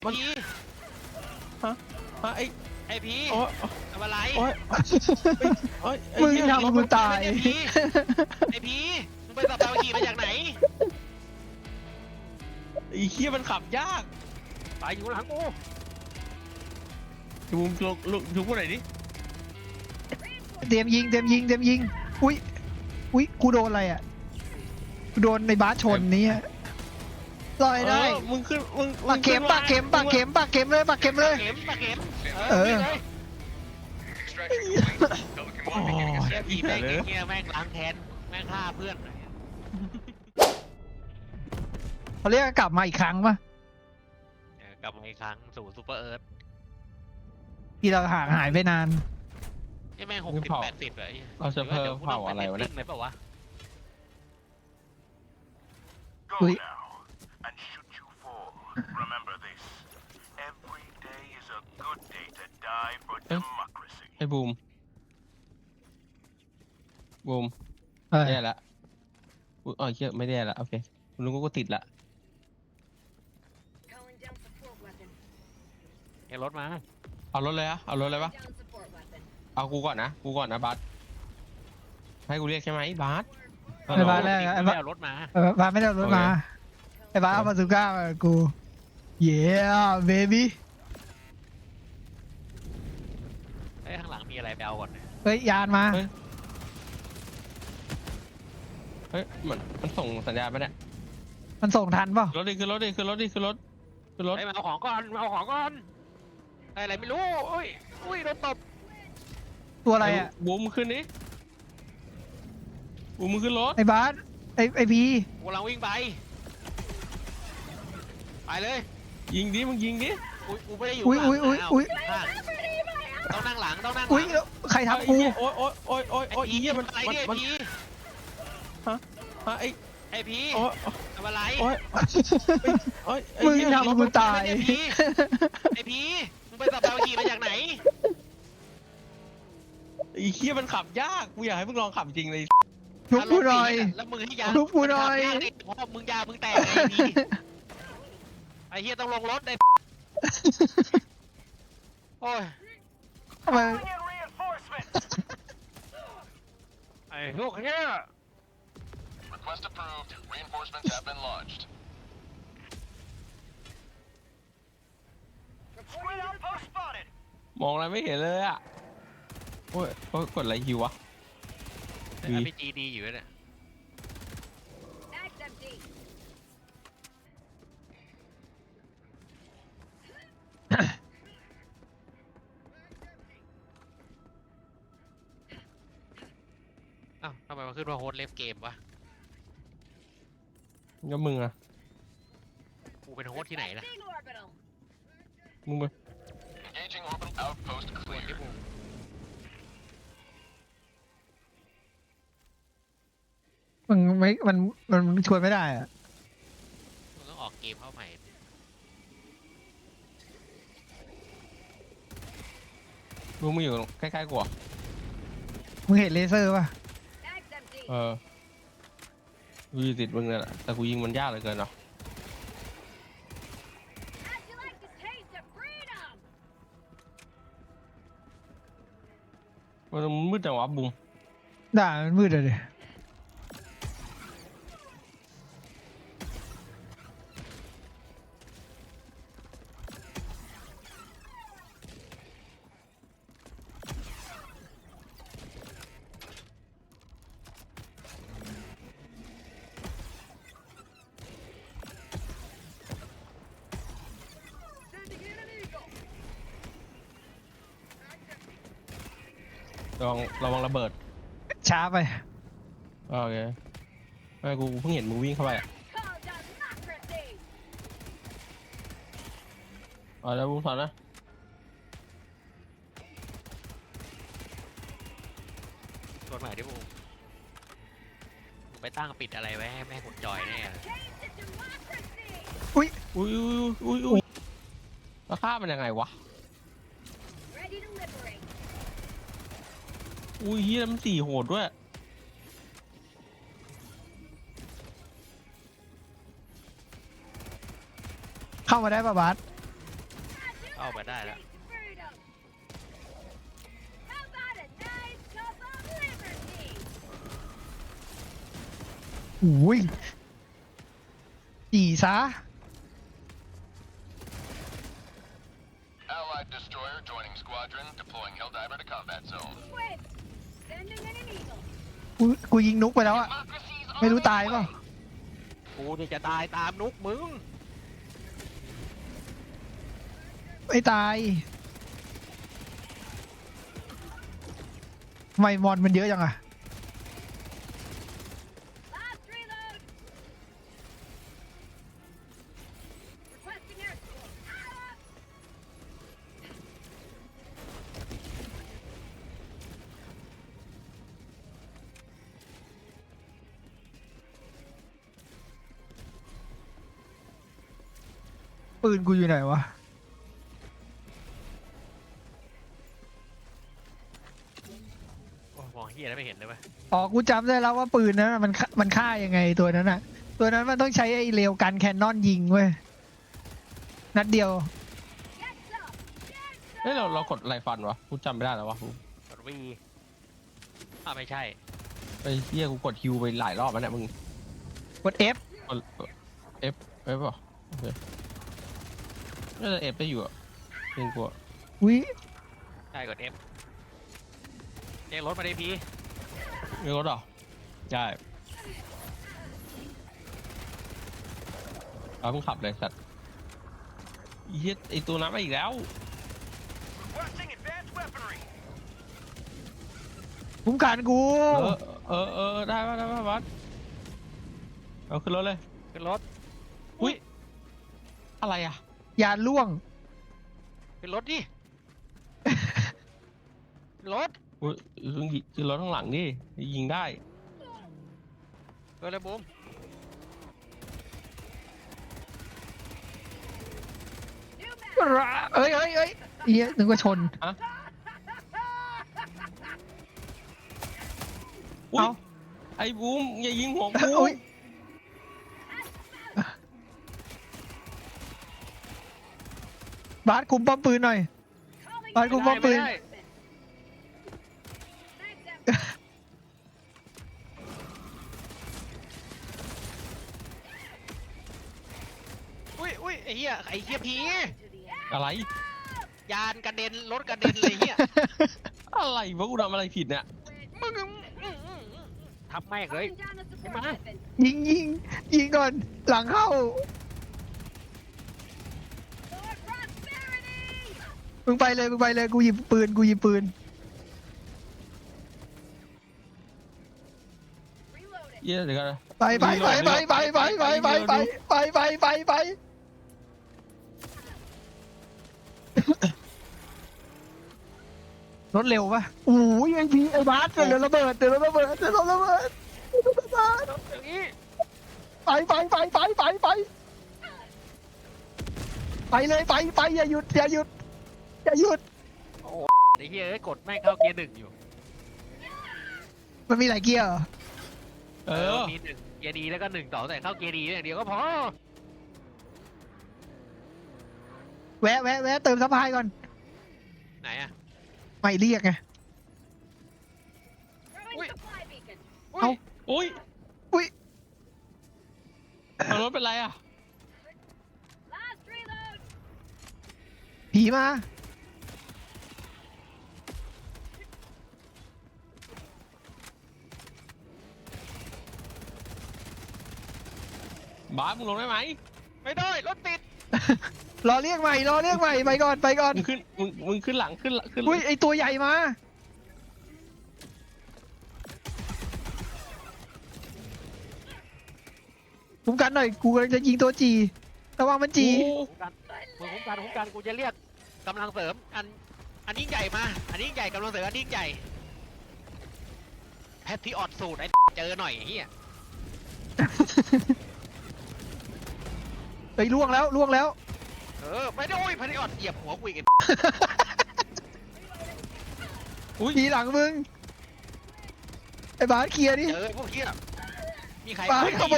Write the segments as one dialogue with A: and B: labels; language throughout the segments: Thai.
A: มัน
B: พี
A: ฮะ
B: ไอพี
A: โอ้ย
B: ทำอะไร
A: โอ้ยโอ้ย
C: มึงทำกูตาย
B: ไอพีมึงไปสับเตาขี่มาจากไหน
A: ไอ้เหี้ยมันขับยาก
B: ไปอยู่หลังกู
A: มึงลุกกูหน่อยดิ
C: เตรียมยิงอุ้ยกูโดนอะไรอ่ะกูโดนในบาสชนนี้ลอยได้
A: มึงขึ้นมึง
C: ปากเข็มเลยปากเข็มเลย
B: ปากเข็ม
C: เออ
B: เลย
A: โอ้ย
B: เชี่ยพี
A: เหี้ย
B: แม่ง
A: เลย
B: เงี้ยแม่งล้างแค้นแม่งฆ่าเพื่อน
C: เขาเรียกกลับมาอีกครั้งป่ะ
B: กลับมาอีกครั้งสู่ซูเปอร์เอิร์ธ
C: ที่เราห่างหายไปนาน
B: นี่แม่ง60-80เลย
A: เราจะเพิ่มเผาอะไรวะเนี่ย
B: ไหมเปล่าวะ
C: อุ้ย
D: and should you fall, remember this. Every day is a good day to die for democracy.
A: ไอ้บูม
C: เออ
A: แย่ละอุ๊ยอ๋อเหี้ยไม่แย่ละโอเคลุงก็ติดละ
E: Calling down support weapon.
B: เฮ้ยรถมา
A: เอารถเลยอะเอารถเลยปะ
E: Down support weapon.
A: เอากูก่อนนะบัสให้กูเรียกใช่ไหมบัส
C: ไอ้บาสแรกไอ้บาส
B: เอารถมา
C: บาสไม่ได้เอารถมาไอ้บาสเอาบาซูก้ามากับกูเย้เบบี้
B: เฮ้ยข้างหลังมีอะไรไปเอาก่อนเนี่ย
C: เฮ้ยยานมา
A: เฮ้ยมันส่งสัญญาณไหมเนี่ย
C: มันส่งทันเปล่าร
A: ถดิคือรถ
B: เฮ้ยมาเอาของก่อนได้อะไรไม่รู้อุ้ยโดนตบ
C: ตัวอะไรอ่ะ
A: บูมขึ้นนี่บูมขึ้นรถ
C: ไอ้บาสไอ้พี
B: กูกำลังวิ่งไปเลย
A: ยิงดิมึงยิงดิ
B: กูไม่ได้อยู่
C: อุ้ย
B: ข้างหลัง
C: อุ้ย
B: ข้างต้องนั่งหลัง
C: อุ้ยใครทำกู
A: โอ้ย
B: ไอ้พี
A: เหี้ย
B: มันอะไรเนี่ย
A: มัน
B: พี ไอพี
A: โอ้ย
B: ทำอะไร
A: โอ้ย
C: มึงทำกูตาย
B: ไอพีมึงไปสับเตาขี่มาจากไหน
A: ไอ้เหี้ยมันขับยากกูอยากให้มึงลองขับจริงเลย
C: ทุบกูหน่อย
B: แล้วมึงให้ยา
C: ทุบกูหน่อย
B: เพราะมึงยามึงแตกไอพีไอเฮียต้องลงรถไอโอ้ย
C: ทำไม
D: Calling in reinforcements.
B: ไอพวกเนี้ย
D: Request approved. Reinforcements have been launched. Screen outpost spotted.
A: มองอะไรไม่เห็นเลยอ่ะโอ้ยกดอะไรฮิววะ
B: ไอพีจีดีอยู่เนี่ย
E: Mag's empty.
B: อ้าวทำไมมันขึ้นว่าโฮสต์เลฟเกมวะ
A: ก็มึงอะ
B: กูเป็นโฮสต์ที่ไหนล่ะ
E: Big orbital.
A: มึงไป
D: Engaging orbital outpost
B: ส่วนที่
D: cleared.
B: กู
C: มึงไม่มันชวนไม่ได้อ่ะ
B: มึงต้องออกเกมเข้าใหม่
A: มึงมาอยู่ใกล้ๆกูอะ
C: มึงเห็นเลเซอร์ป่ะ
E: Mag's empty.
A: กูอยู่ติดมึงเนี่ยแหละแต่กูยิงมันยากเหลือเกินเนาะ
E: How'd you like this taste of freedom?
A: มันมืดจังวะบุ้ม
C: ด่ามันมืดเลย
A: ระวังระเบิด
C: ช้าไป
A: โอเคไม่กูเพิ่งเห็นมึงวิ่งเข้าไปอะ
E: Call democracy.
A: เอาแล้วบุ้มสอนนะ
B: ส่วนใหม่ที่มึงไปตั้งปิดอะไรไว้ให้แม่กดจอยแน่เลย
E: Change to democracy.
A: อุ้ยแล้วฆ่ามันยังไงวะ
E: Ready to liberate.
A: อุ้ยเฮียมัน4โหดด้วย
C: เข้ามาได้ป่ะบาส
B: เข้าไปได้แล้ว
E: Taste of freedom. How about a nice cup of liberty?
C: อุ้ยจีซะ
D: Allied destroyer joining squadron, deploying Helldiver to combat zone.
E: Wait. Sending in an eagle.
C: กูยิงนุกไปแล้วอะ
D: Democracy's
C: ไม่รู้
D: on its
C: ตายเปล่า
D: way.
B: กูนี่จะตายตามนุกมึง
C: ไม่ตายทำไมมอนมันเยอะจังอะ
E: Last reload. Requesting air support. Ah!
C: ปืนกูอยู่ไหนวะ
B: โอ้ยมองเฮียแล้วไม่เห็นเลยเว้ย
C: อ๋อ กูจำได้แล้วว่าปืนนั้นน่ะมันฆ่ายังไงตัวนั้นอะตัวนั้นมันต้องใช้ไอ้เรลกันแคนนอนยิงเว้ย นัดเดียว
E: Get some. Get
A: เฮ้ยเรากดอะไรฟันวะกูจำไม่ได้แล้ววะกู
B: กดวีไม่ใช่
A: ไอ้เหี้ยกูกดฮิวไปหลายรอบแล้วเนี่ยมึง
C: กด F
A: กดเอฟป่ะโอเคน่าจะเอฟได้อยู่อะเพียงกูอะ
C: อุ้ย
B: ใช่กด F เรียกรถมาได้พี
A: มีรถเหรอใช่เอามึงขับเลยสัตว์เหี้ยไอตัวน้ำมาอีกแล้ว
D: Requesting advanced weaponry.
C: คุ้มกันกู
A: ได้ป่ะบัสเอาขึ้นรถเลย
B: ขึ้นรถ
A: อุ้ยอะไรอ่ะ
C: ยานล่วง
B: ขึ้นรถดิขึ้นรถ
A: อุ้ยขึ้นรถข้างหลังดิยิงได้
B: เออเลยบูม
C: เอ้ยเหี้ยนึกว่าชน
A: อุ้ย
C: เอ้า
A: ไอ้บูมอย่ายิงหัวกู
C: อุ๊ยบาสคุมป้อมปืนหน่อย
E: calling
C: บาสคุมป้อมปืน
B: ไม่ได้
E: Thanks, Em.
B: อุ้ยไอ้เหี้ยผี
E: To the end.
A: อะไร
B: ยานกระเด็นรถกระเด็นเลยเหี้ย
A: อะไรวะกูทำอะไรผิดเนี่ย
B: มึงทับแม่งเลย
E: Calling down a support
B: Come on.
E: weapon.
C: ยิงก่อน หลังเข้า
E: For prosperity.
C: มึงไปเลย กูหยิบปืน
E: Reloading.
A: เหี้ยเดี๋ยวกันนะ
C: ไปรถเร็วปะโอ้ยไอ้บาสเดี๋ยวระเบิด
B: อย่างนี้
C: ไปเลยอย่าหยุด
B: โอ้ไอ้เหี้ยกดแม่งเข้าเกียร์หนึ่งอยู่
C: มันมีหลายเกียร์เหรอ
B: มีหนึ่งเกียร์ดีแล้วก็หนึ่งต่อแต่เข้าเกียร์ดีอย่างเดียวก็พอ
C: แวะเติมซัพพลายก่อน
B: ไหนอะ
C: ไม่เรียกไง
E: Throwing
B: Wait.
E: supply beacon.
B: อุ้ย
A: อุ้ย
C: อุ้ย
A: เอารถเป็นไรอ่ะ
E: Last reload.
C: ผีมา
A: บาสมึงลงได้ไหม
B: ไม่ได้รถติด
C: รอเรียกใหม่ไปก่อน
A: มึงขึ้นหลังขึ้น
C: อุ้ยไอตัวใหญ่มาคุ้มกันหน่อย กูกำลังจะยิงตัวจีระวังมันจี
B: คุ้มกันกูจะเรียกกำลังเสริมอันยิ่งใหญ่มาอันยิ่งใหญ่กำลังเสริมอันยิ่งใหญ่แพทที่ออดสูตรไอ้เจอหน่อยเฮีย
C: เฮ้ยล่วงแล้ว
B: ไม่ได้โอ้ยแพทที่ออดเหยียบหัวกูอีก
C: ผีหลังมึง ไอ้บาสเคลียร์ดิ
B: เจอพวกเฮียมีใคร
C: บาสขบวน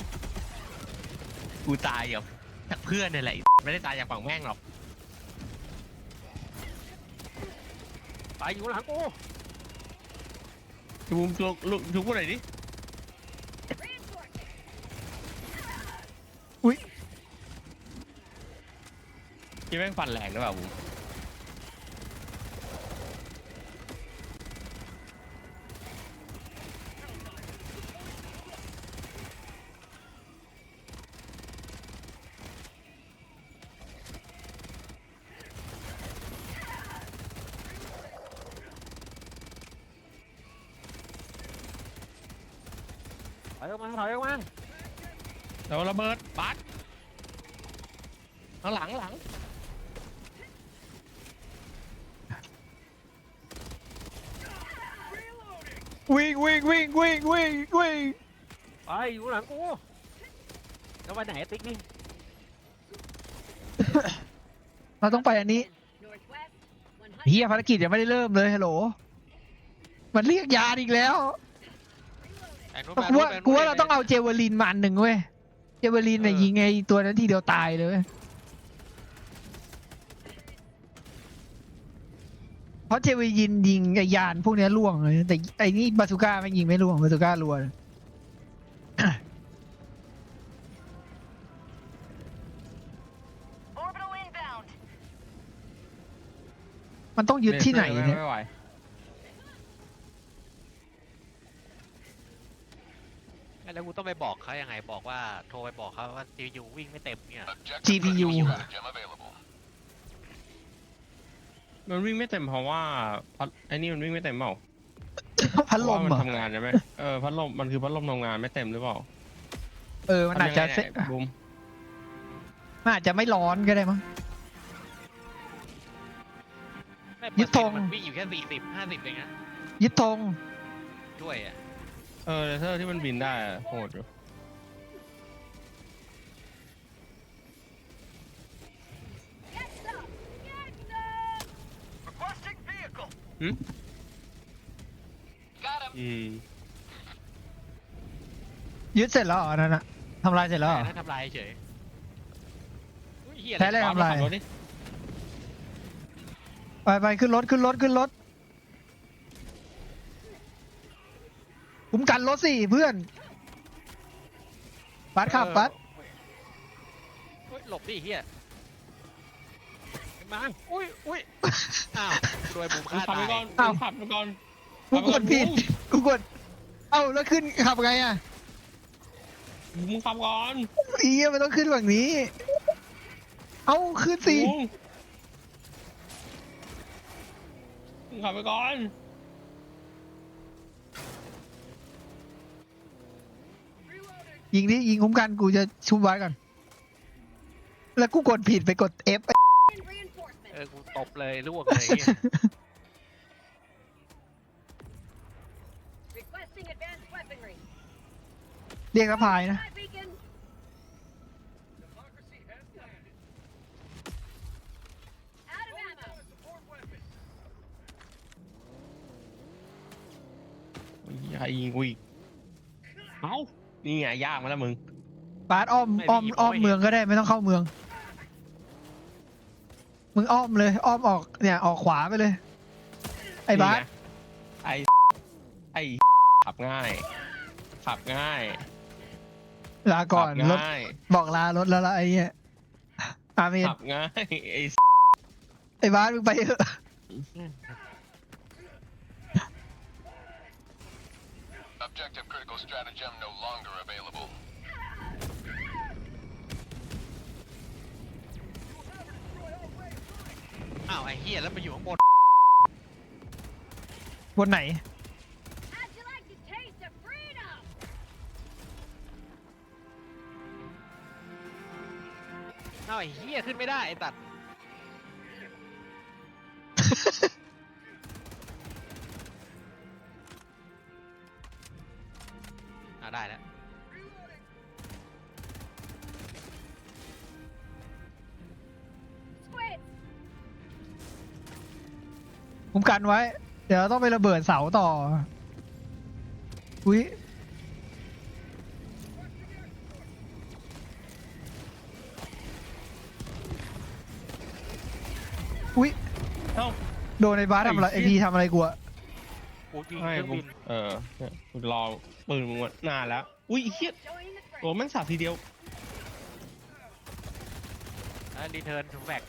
A: กูตายจากเพื่อนนี่แหละไม่ได้ตายจากฝั่งแม่งหรอก
B: อยู่หลังกู
A: บูมลุกทุกคนไหนอยดิ
E: Reinforcing.
C: อุ้ย
A: ที่แม่งฟันแรงหรือเปล่าบูม
B: ถอยออกมาถอยออกมา
A: แล้วระเบิดบัสหลัง
C: วิ่งวิ่งวิ่งวิ่งวิ่งวิ่ง
B: ไปอยู่หลังกูแล้วไปไหนติ๊กนี่
C: เราต้องไปอันนี้
E: Northwest. 100.
C: เฮียภารกิจยังไม่ได้เริ่มเลยฮัลโหลมันเรียกยานอีกแล้ว
B: แต่นู้น
C: กูว่าเราต้องเอาเจเวลินมาอันหนึ่งเว้ยเจเวลินเนี่ยยิงไอ้ตัวนั้นทีเดียวตายเลยเว้ยเพราะเจเวลินยิงไอ้ยานพวกเนี้ยล่วงเลยแต่ไอ้นี่บาซูก้าไม่ยิงไม่ล่วงบาซูก้ารัวเลย
E: Orbital inbound.
C: มันต้องยึดที่ไหนเนี่ย
A: ไม่ไหว
B: แล้วกูต้องไปบอกเขายังไงบอกว่าโทรไปบอกเขาว่า GPU วิ่งไม่เต็มเนี่ย
C: GPU
D: Stratagem available.
A: มันวิ่งไม่เต็มเพราะว่าไอ้นี่มันวิ่งไม่เต็มเปล่า
C: พัดลม
A: เพ
C: เหร
A: ราะว่า
C: อ
A: มันทำงานใช่ไหมพัดลมมันคือพัดลมทำงานไม่เต็มหรือเปล่า
C: มันอาจจะ
A: ทำยังไงเนี่ยบูม
C: มันอาจจะไม่ร้อนก็ได้มั้ง ยึดธง
B: มันวิ่งอยู่แค่40-50เองนะ
C: ยึดธง
B: ด้วยอ่ะ
A: เลเซอร์ที่มันบินได้อะโหดอยู่
E: Get some. Get some.
D: Requesting vehicle.
C: ยึดเสร็จแล้วเหรออันนั่นอะทำลายเสร็จแล้วเหรอ
B: แต่นั่นทำลายเฉยอุ๊ยเหี้ย
C: ใช้อะไร
A: บาส
C: ทำลาย
A: ขับรถดิ
C: ไปขึ้นรถขึ้นรถขึ้นรถคุ้มกันรถสิเพื่อนบัสขับบัส
B: เฮ้ยหลบดิเฮียมาอุ้ยอ้าวรวยบุม
A: มึ
B: ฆ่าง
A: ขับ
B: ตา
A: ไป
B: ย
A: ก่อนมึงขับไปก่อน
C: กูกดผิดกูกดเอ้าแล้วขึ้นขับไงอะ
A: มึงขับก่อน
C: อีเหี้ยมันต้องขึ้นฝั่งนี้ เอ้าขึ้นสิ
A: มึงขับไปก่อน
C: ยิงดิยิงคุ้มกันกูจะชุบไว้ก่อนแล้วกูกดผิดไปกด F
E: In reinforcement.
B: กูตบเลยลวกเลยเหี้ย
E: Requesting advanced weaponry.
C: เรียกสะพายนะ
E: Spy beacon. Out of ammo.
A: ใครยิงกูอีกเอ้านี่ไงยากมาแล้วมึง
C: บาสอ้อมเมืองก็ได้ไม่ต้องเข้าเมือง มึงอ้อมเลยอ้อมออกเนี่ยออกขวาไปเลย ไอ้บาส
A: นี่ไงไอ้ขับง่าย ขับง่าย
C: ลาก่อน
A: ขับ
C: รถ
A: ง่าย
C: บอกลารถแล้วละไอ้เนี้ยอาเมน
A: ขับง่ายไอ้
C: ไอ้บาสมึงไปเถอะ
D: Objective critical stratagem no longer available.
B: อ้าวไอ้เฮียแล้วมาอยู่ข้างบน
C: บนไหน
E: How'd you like to taste of freedom?
B: อ้าวไอ้เฮียขึ้นไม่ได้ไอ้ตัดได้แล้ว
E: Squid.
C: คุ้มกันไว้ เดี๋ยวเราต้องไประเบิดเสาต่อ อุ้ยอุ้ย
A: เอ้า
C: โดนในบาสทำอะไรไอพีทำอะไรกูอะ
B: กูยิง
A: ให้
B: เครื่อง
A: กู
B: บิน
A: เนี่ยกูรอปืนมึงมานานแล้วอุ้ยไอ้เหี้ย
E: Join the fray.
A: ตัวแม่งสับทีเดียว
B: แล้วรีเทิร์นทูแบ็ก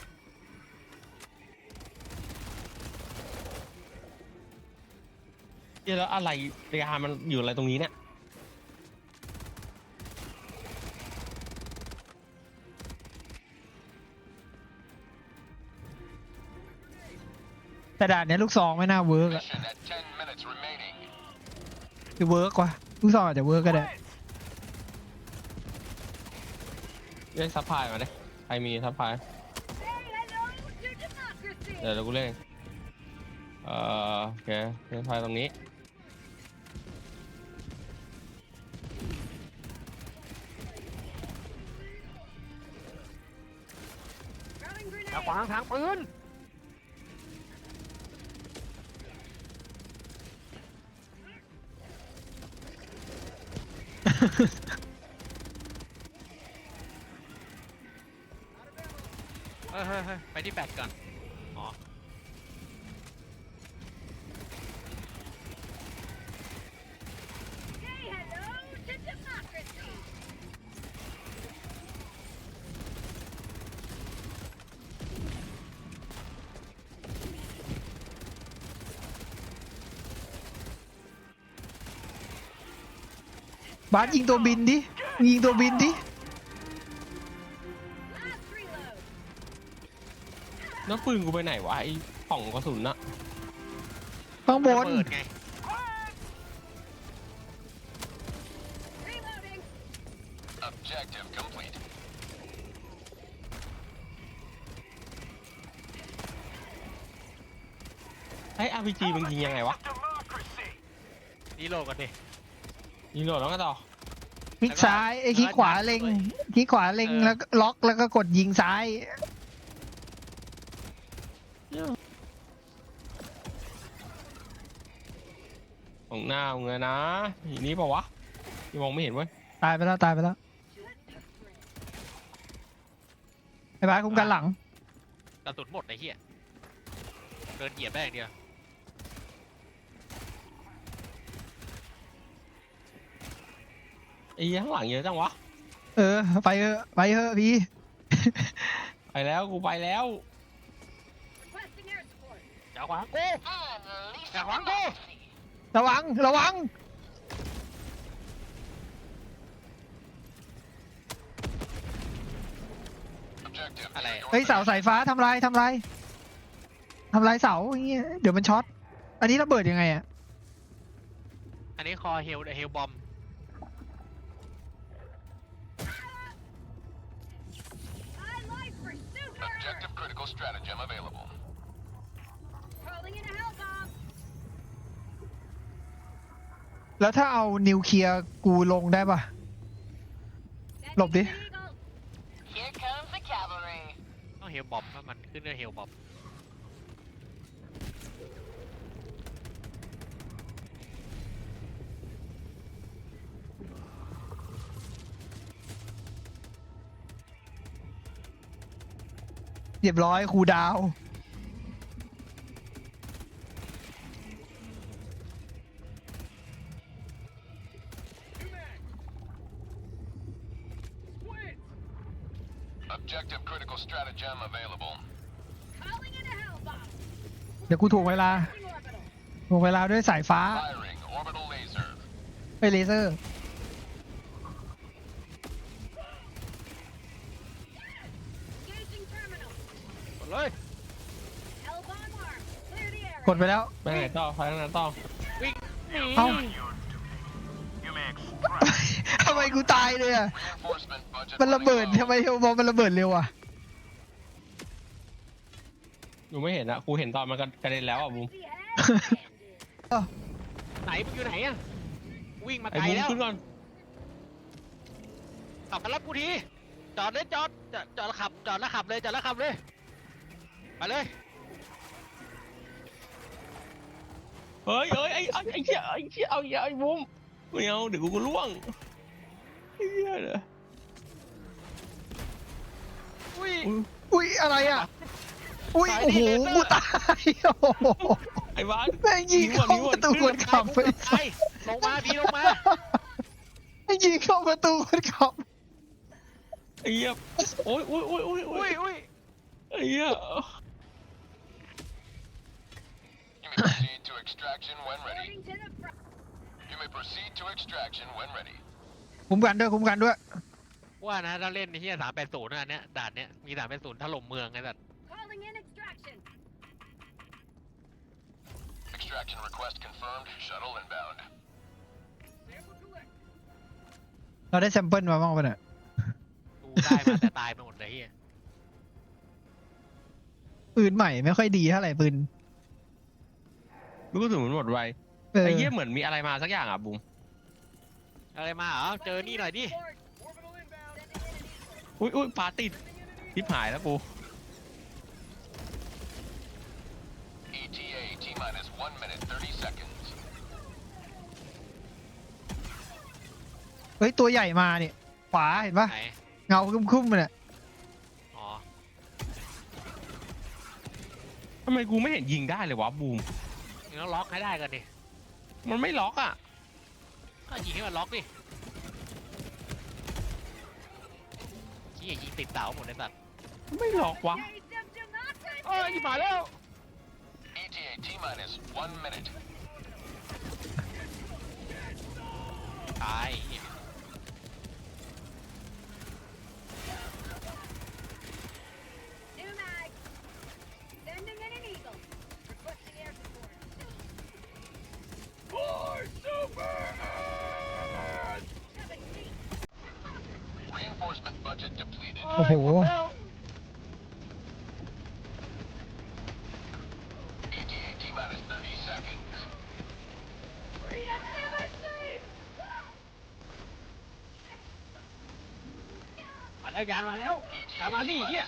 A: เหี้ยแล้วอะไรเรียมันอยู่อะไรตรงนี้เนี่ย
C: แต่ด่านเนี้ยลูกซองไม่น่าเวิร์กอะ
D: Mission at 10 minutes remaining.
C: คือเวิร์กว่ะลูกซองอาจจะเวิร์กก็ได้
A: เรียกซัพพลายมาดิใครมีซัพพลาย
E: Say hello to democracy.
A: เดี๋ยวกูเล่นโอเคเล่นไฟตรงนี้
E: Throwing
B: อย่า
E: grenade.
B: ขวางทางปืนเฮ้ยไปที่แบตก่อนอ๋อ
E: Say hello to democracy.
C: บาสยิงตัวบินดิมึงยิงตัวบินดิ
E: Last reload.
A: แล้วปืนกูไปไหนวะไอ้ป่องกระสุนน่ะ
C: ข้างบน
B: ระเบิดไง
E: Reloading.
D: Objective complete.
A: ไอ้ RPG มึงยิงยังไงวะ
D: Democracy.
B: นี่โลกันดิ
A: ยิงโดดแล้วก็ต่อ
C: คลิกซ้ายไอ้คลิกขวาเล็งคลิกขวาเล็งแล้วก็ล็อกแล้วก็กดยิงซ้าย
A: ของหน้ามึงเลยนะอย่างนี้เปล่าวะที่มองไม่เห็นเว้ย
C: ตายไปแล้วตายไปแล้วไอ้บาสคุ้มกันหลัง
B: กระสุนหมดไอ้เหี้ยเดินเหยียบได้อย่างเดียว
A: ไอ้เหี้ยข้างหลังเยอะจังวะ
C: เออไปเถอะไปเถอะพี่
A: ไปแล้วกูไปแล้ว
E: Requesting air support.
B: อย่าขวางกูอย่าขวางกู
C: ระวังระวัง
D: Objective.
B: อะไร
C: เฮ้ยเสาสายฟ้าทำลายทำลายทำลายเสาอย่างเงี้ยเดี๋ยวมันช็อตอันนี้ระเบิดยังไงอะ
B: อันนี้คอเฮลบอม
E: I like pursuit.
D: Objective critical stratagem available.
E: Calling in a hell bomb.
C: แล้วถ้าเอานิวเคลียร์กูลงได้ปะ
E: Sending
C: Lộp đi.
E: an eagle.
F: Here comes the cavalry.
B: ต้องเฮลบอมถ้ามันขึ้นด้วยเฮลบอม
C: เรียบร้อยครูดาว
D: Objective critical stratagem available.
E: Calling in a hell bomb.
C: เดี๋ยวกูถ่วงเวลา
E: Requesting orbital.
C: ถ่วงเวลาด้วยสายฟ้า
D: Firing orbital laser.
C: ไปเลเซอร์
E: Engaging terminal.
B: กดเลย
E: Hell bomb armed. Clear the area.
C: กดไปแล้ว
A: ไปไหนต่อไปทางไหนต่อ
B: วิ่งหนี
C: เอ้า
D: You may extract.
C: ทำไมกูตายเลยอะ
D: Reinforcement budget.
C: มันระเบิด
D: running
C: ทำไมเฮลบอลมันระเบิดเร็วอะ
A: หนูไม่เห็นอะกูเห็นตอนมันกระเด็นแล้วอะบูม
E: The head.
B: ไหนมึงอยู่ไหนอะวิ่งมา
A: ไอ้
B: ไกล
A: บูม
B: แล้ว
A: ขึ้นก่อน
B: ขับมารับกูทีจอดเลยจอดแล้วขับจอดแล้วขับเลยจอดแล้วขับเลยไปเลย
A: เฮ้ยไอ้เหี้ยเอาอย่าไอ้บูมไม่เอาเดี๋ยวกูล่วงไอ้เหี้ยเหรอ
B: อุ้ย
A: อุ๊ย
C: อุ้ยอะไรอะอุ้ยโอ้โหกูตายโอ้โห
A: ไอ้บ้าน
C: แม่งยิงเข้าประตูคนขับไป
B: ไปลงมาพี่ลงมา
C: แม่งยิงเข้าประตูคนขับ
A: ไอ้เหี้ยโอ้ยโอ้ยโอ้ยโอ้ยโอ้
B: อุ้
A: ย
B: ยอุ้ย
A: ไอ้เหี้ย
D: You may proceed to extraction when ready.
E: Moving to the front.
D: You may proceed to extraction when ready.
C: คุ้มกันด้วยคุ้มกันด้วย
B: ว่านะถ้าเล่นในที่380นะอันเนี้ยด่านเนี้ยมี380ถล่มเมืองไงสัตว์
E: Calling in extraction.
D: Extraction request confirmed. Shuttle inbound.
E: Sample collect.
C: เราได้แซมเปิลมาบ้างปะเนี่ย
B: ดูได้มาแต่ตายไปหมดเลยเฮีย
C: ปืนใหม่ไม่ค่อยดีเท่าไหร่ปืน
A: รู้สึกเหมือนหมดไว
C: เออ
A: ไอ้เหี้ยเหมือนมีอะไรมาสักอย่างอ่ะบุ้ม
B: อะไรมาเหรอเจอนี่หน่อยดิ
A: อุ้ยอุ้ยปลาติดทิพหายแล้วกู
D: ETA T minus 1 minute 30 seconds.
C: เฮ้ยตัวใหญ่มาเนี่ยขวาเห็นปะ
B: ไหน
C: เงาคุ้มๆมันเนี่ย
B: อ๋อ
A: ทำไมกูไม่เห็นยิงได้เลยวะบูม
B: มึงต้องล็อกให้ได้กันดิ
A: มันไม่ล็อกอ่ะ
B: ก็ยิงให้มันล็อกดิชี้ยิงติดเสาหมดเลยสัตว์
A: ไม่ล็อกวะ
E: Taste of democracy.
B: เอ้ยมาแล้ว
D: ETA T minus 1 minute.
B: ตาย
E: New mag. Sending in an eagle. Requesting air support.
D: Reinforcement budget depleted.
C: โอ้โห
D: ETA T minus 30 seconds.
B: มาแล้วยานมาแล้วยานมาดิเฮีย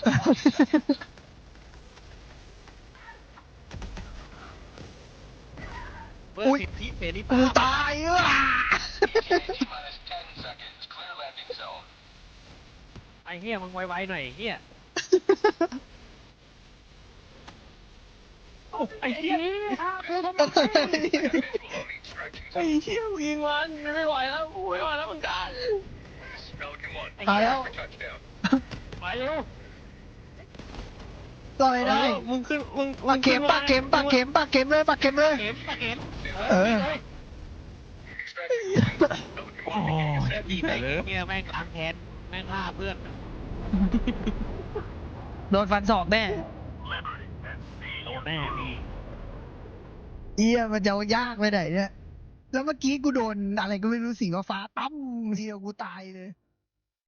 B: เปิด
C: อุ๊ย
B: สิทธิเสรี
C: กู
B: ภาพ
C: ตายอ่ะ
D: ETA T minus 10 seconds. Clear landing zone.
B: ไอ้เฮียมึงไวๆหน่อยเฮีย
A: โอ้ไอ้เหี้ยไอ้เหี้ยยิงมันไม่ไหวแล้วกูไม่ไหวแล้วเหมือนกัน
D: Pelican 1.
C: ตายแล้ว
D: Touchdown.
B: ไปเร็ว
C: ลอยได้
A: มึงขึ้นมึง
C: ปากเข็มปากเข็มปากเข็มปากเข็มเลยปากเข็มเลย
B: เข็มปะเข็ม
C: เออ
A: โอ้ยดีแต่เลย
B: เฮียแม่งล้างแค้นแม่งฆ่าเพื่อน
C: โดนฟันศอกแน่
B: โดนแน่มี
C: เอี้ยมันจะยากไปไหนเนี่ยแล้วเมื่อกี้กูโดนอะไรก็ไม่รู้สีฟ้าๆตั้มทีเดียวกูตายเลย